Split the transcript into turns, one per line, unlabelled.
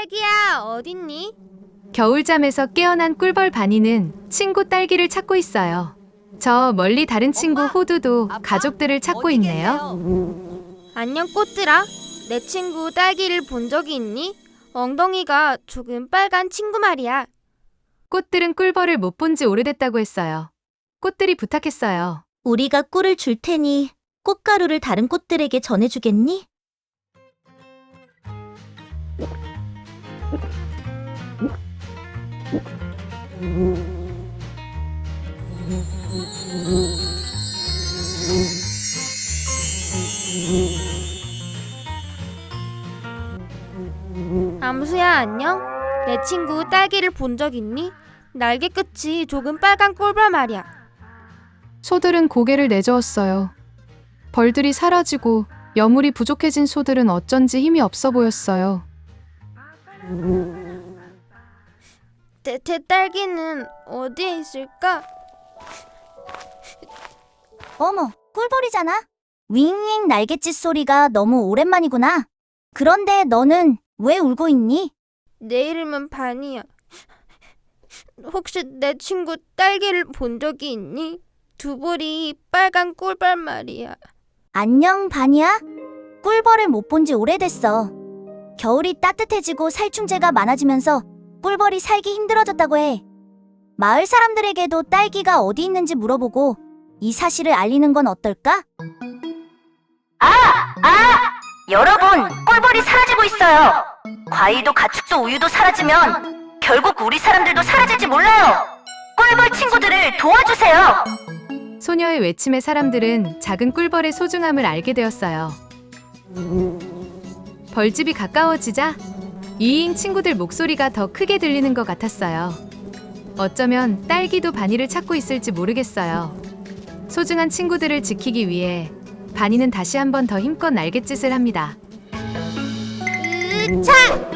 딸기야, 어딨니?
겨울잠에서 깨어난 꿀벌 바니는 친구 딸기를 찾고 있어요. 저 멀리 다른 친구
엄마,
호두도
아빠,
가족들을 찾고
어디
있네요.
계세요?
안녕, 꽃들아. 내 친구 딸기를 본 적이 있니? 엉덩이가 조금 빨간 친구 말이야.
꽃들은 꿀벌을 못 본 지 오래됐다고 했어요. 꽃들이 부탁했어요.
우리가 꿀을 줄 테니 꽃가루를 다른 꽃들에게 전해주겠니?
암수야, 안녕? 내 친구 딸기를 본 적 있니? 날개 끝이 조금 빨간 꿀벌 말이야.
소들은 고개를 내저었어요. 벌들이 사라지고 여물이 부족해진 소들은 어쩐지 힘이 없어 보였어요.
내 딸기는 어디에 있을까?
어머, 꿀벌이잖아. 윙윙 날갯짓 소리가 너무 오랜만이구나. 그런데 너는 왜 울고 있니?
내 이름은 바니야. 혹시 내 친구 딸기를 본 적이 있니? 두 볼이 빨간 꿀벌 말이야.
안녕, 바니야. 꿀벌을 못 본 지 오래됐어. 겨울이 따뜻해지고 살충제가 많아지면서 꿀벌이 살기 힘들어졌다고 해. 마을 사람들에게도 딸기가 어디 있는지 물어보고 이 사실을 알리는 건 어떨까?
여러분, 꿀벌이 사라지고 있어요. 과일도 가축도 우유도 사라지면 결국 우리 사람들도 사라질지 몰라요. 꿀벌 친구들을 도와주세요.
소녀의 외침에 사람들은 작은 꿀벌의 소중함을 알게 되었어요. 벌집이 가까워지자 이잉 친구들 목소리가 더 크게 들리는 것 같았어요. 어쩌면 딸기도 바니를 찾고 있을지 모르겠어요. 소중한 친구들을 지키기 위해 바니는 다시 한 번 더 힘껏 날갯짓을 합니다.
으차!